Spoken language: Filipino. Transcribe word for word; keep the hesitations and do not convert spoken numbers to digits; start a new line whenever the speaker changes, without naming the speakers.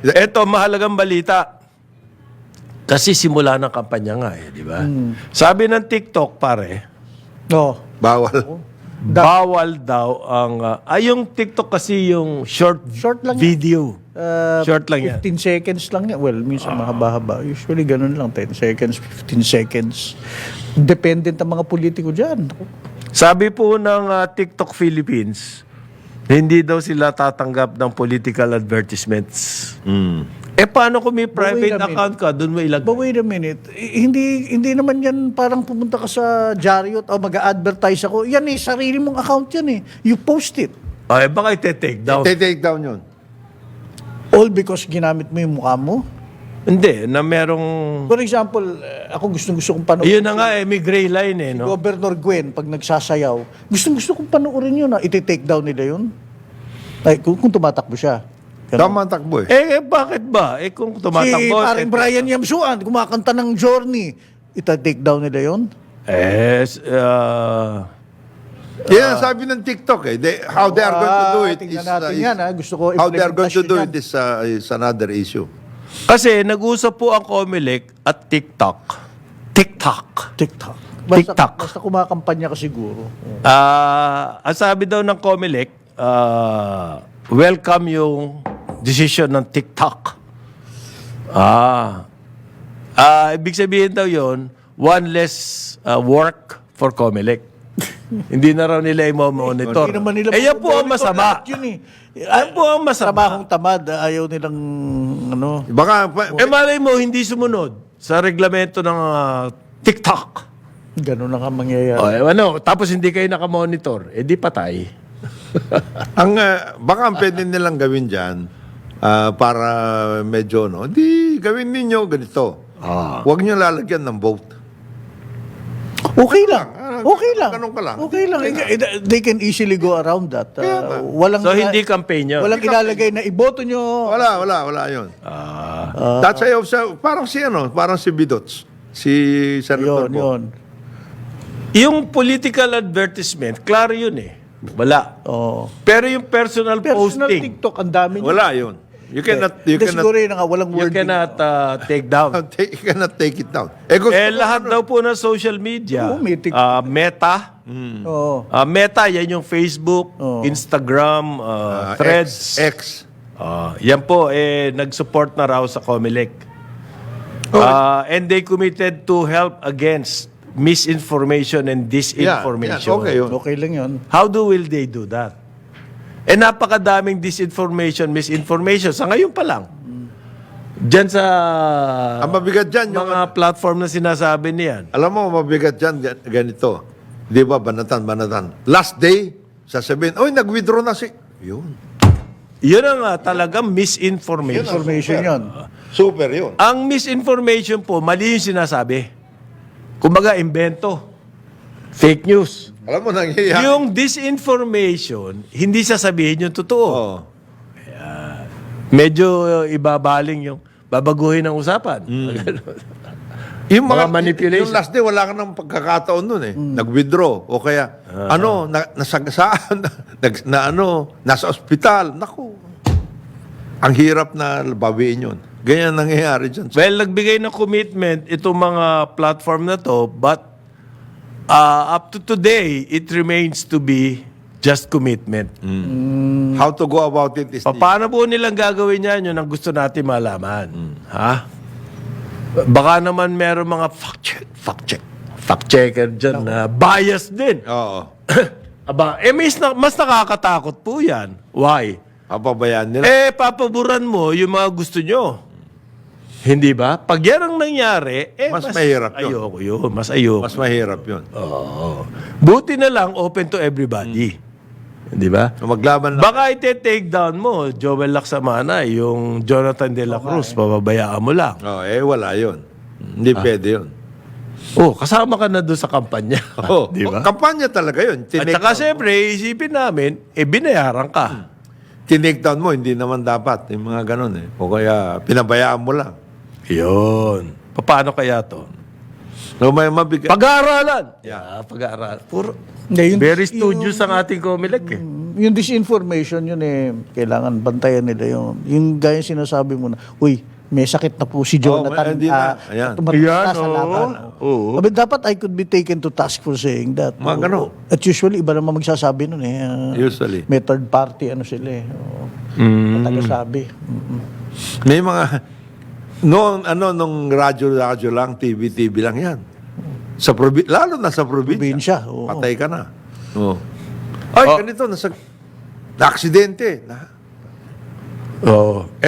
Ito, mahalagang balita. Kasi simula ng kampanya nga eh, di ba?
Hmm.
Sabi ng TikTok, pare,
No.
Bawal.
bawal daw ang... ah, ay, yung TikTok kasi yung short,
Short lang yan.
video.
Uh,
Short lang yan.
fifteen seconds lang yan. Well, minsan mahaba-haba. Usually ganun lang. ten seconds, fifteen seconds. Dependent ang mga politiko dyan.
Sabi po ng ah, TikTok Philippines, hindi daw sila tatanggap ng political advertisements.
Mm.
Eh, paano kung may
wait
private
a minute.
account ka, doon mo ilagay?
But wait a minute. I- hindi hindi naman yan parang pumunta ka sa Jariot o mag-advertise ako. Yan eh, sarili mong account yan eh. You post it.
Ay, baka ite-take down.
Take down yun.
All because ginamit mo yung mukha mo.
Hindi, na merong...
For example, eh, ako gustong-gusto kong panoorin.
Yun na nga eh, may gray line eh, no?
Governor Gwen, pag nagsasayaw, gustong-gusto kong panoorin yun na iti-take down nila yun. Ay, kung, kung tumatakbo siya. Ganun.
Tama ang takbo eh.
Eh, eh, bakit ba? Eh, kung
Si
tumatakbo...
paring
eh,
Brian Yamsuan, kumakanta ng Journey. Ita-take down nila yun.
Eh, s- ah,
Yan, sabi ng TikTok eh. They, how they are going to do
Ah,
it
tingnan
is...
natin
uh,
yan, ha? Gusto ko
how they are going to
implementasyon
do
yan.
it is, uh, is another issue.
kasi nag-usap po ang Comelec at TikTok. TikTok.
TikTok. Basta,
TikTok.
basta kumakampanya ka siguro.
Ah, ang sabi daw ng Comelec, ah, welcome yung decision ng TikTok. Ah. Ah, ibig sabihin daw yon, one less ah, work for Comelec. Hindi na raw nila i-monitor.
Hindi naman nila
Eh, yan po ang
monitor
masama.
lahat Yun eh.
Yan po ang masama.
Trabahong tamad, ayaw nilang ano.
Baka, pa-
Eh, malay mo, hindi sumunod sa reglamento ng ah, TikTok.
Ganun lang ang mangyayari.
O, eh, ano, tapos hindi kayo nakamonitor, eh di patay.
ang, uh, baka ang pwede nilang gawin dyan, ah, para medyo, no, di gawin ninyo ganito.
Ah.
Huwag nyo lalagyan ng vote.
Okay lang.
Ah,
Okay lang.
ganun ka lang.
Okay lang. Eh, They can easily go around that. Uh, walang
So, hindi campaign yun?
Walang ilalagay na iboto nyo.
Wala, wala, wala yun.
Ah.
That's why, sa, parang si, ano, parang si Bidots. Si Senator
Yun,
Bo.
yun.
Yung political advertisement, klaro yun eh. Wala.
Oh.
Pero yung personal,
Personal
posting,
TikTok, ang dami nyo.
Wala yun. You cannot, you
Hindi,
cannot,
siguro yun nga, walang
you
wording.
cannot uh, take down.
take, you cannot take it down. Eh, gusto
Eh,
ko-
lahat daw po ng social media,
Oo, may TikTok.
ah, Meta,
Oo.
ah, Meta, yan yung Facebook,
Oo.
Instagram, ah,
ah,
Threads.
X, X.
Ah, yan po, eh, nag-support na raw sa Comelec. Ah, and they committed to help against misinformation and
Yeah,
disinformation.
yeah, okay yun.
Okay lang yun.
How do will they do that? Eh, napakadaming disinformation, misinformation. Sa ngayon pa lang. Diyan sa
Ang mabigat dyan, yung,
mga platform na sinasabi niyan.
alam mo, mabigat dyan, gan- ganito. Di ba, banatan, banatan. Last day, sasabihin, oy, nag-withdraw na si... Yun.
Yun ang uh, talagang misinformation.
Information yun.
Super yun.
Ang misinformation po, mali yung sinasabi. Kumbaga, invento. Fake news.
Alam mo, nangyayari.
Yung disinformation, hindi sasabihin yung totoo.
Oo.
Medyo uh, ibabaling yung babaguhin ang usapan. Ganun.
Yung
Mga manipulation.
Yung last day, wala ka ng pagkakataon nun eh. Nag-withdraw. O kaya, ano, na, nasagasaan, nag, na ano, nasa ospital. Naku. Ang hirap na bawiin yun. Ganyan nangyayari dyan.
Well, nagbigay ng commitment itong mga platform na to, but uh, up to today, it remains to be just commitment.
How to go about it is...
Pa- Paano po nilang gagawin yan? Yun ang gusto natin malaman. Ha? Baka naman meron mga fact check, fact check, fact checker dyan na bias din.
Oo.
Aba, eh mas, na- mas nakakatakot po yan. Why?
Papabayaan nila.
Eh, papaboran mo yung mga gusto nyo. Hindi ba? Pag yan ang nangyari, eh,
Mas mahirap yun.
Ayoko yun. Mas ayoko.
Mas mahirap yun.
Oo. Buti na lang, open to everybody. Hindi ba?
So, maglaban lang.
Baka ite-take down mo, Joel Lacsamana, yung Jonathan De La Cruz, pababayaan mo lang.
Oh, eh, wala yun. Hindi pwede yun.
Oh, kasama ka na doon sa kampanya.
Oh,
Di ba?
kampanya talaga yun.
At
Tinake
saka
down,
siyempre, isipin namin, eh, binayaran ka.
tinake down mo, hindi naman dapat. Yung mga ganun eh. O kaya, pinabayaan mo lang.
Yun. Paano kaya to?
So, may mabigat.
Pag-aaralan. Yeah, pag-aaralan. Puro,
Hindi, yung-
very studious ang ating Comelec eh.
yung disinformation yun eh, kailangan bantayan nila yun. Yung gaya sinasabi mo na, uy, may sakit na po si
Oh,
Jonathan.
may- hindi na.
ah,
Ayan.
tumatakbo
Ayan,
sa
oo.
laban.
Oo.
Sabi, dapat I could be taken to task for saying that.
Mga
Oo.
ganon.
At usually, iba naman magsasabi nun eh. ah,
Usually.
May third party, ano sila eh.
Mm.
Tagasabi. Mm-mm.
May mga, noong, ano, nung radyo-radyo lang, T V T V lang yan. Sa probi- lalo na sa probinsya.
Probinsya, oo.
Patay ka na. Oo. Ay,
Oh.
ganito, nasa, na-aksidente. Na,
Oh.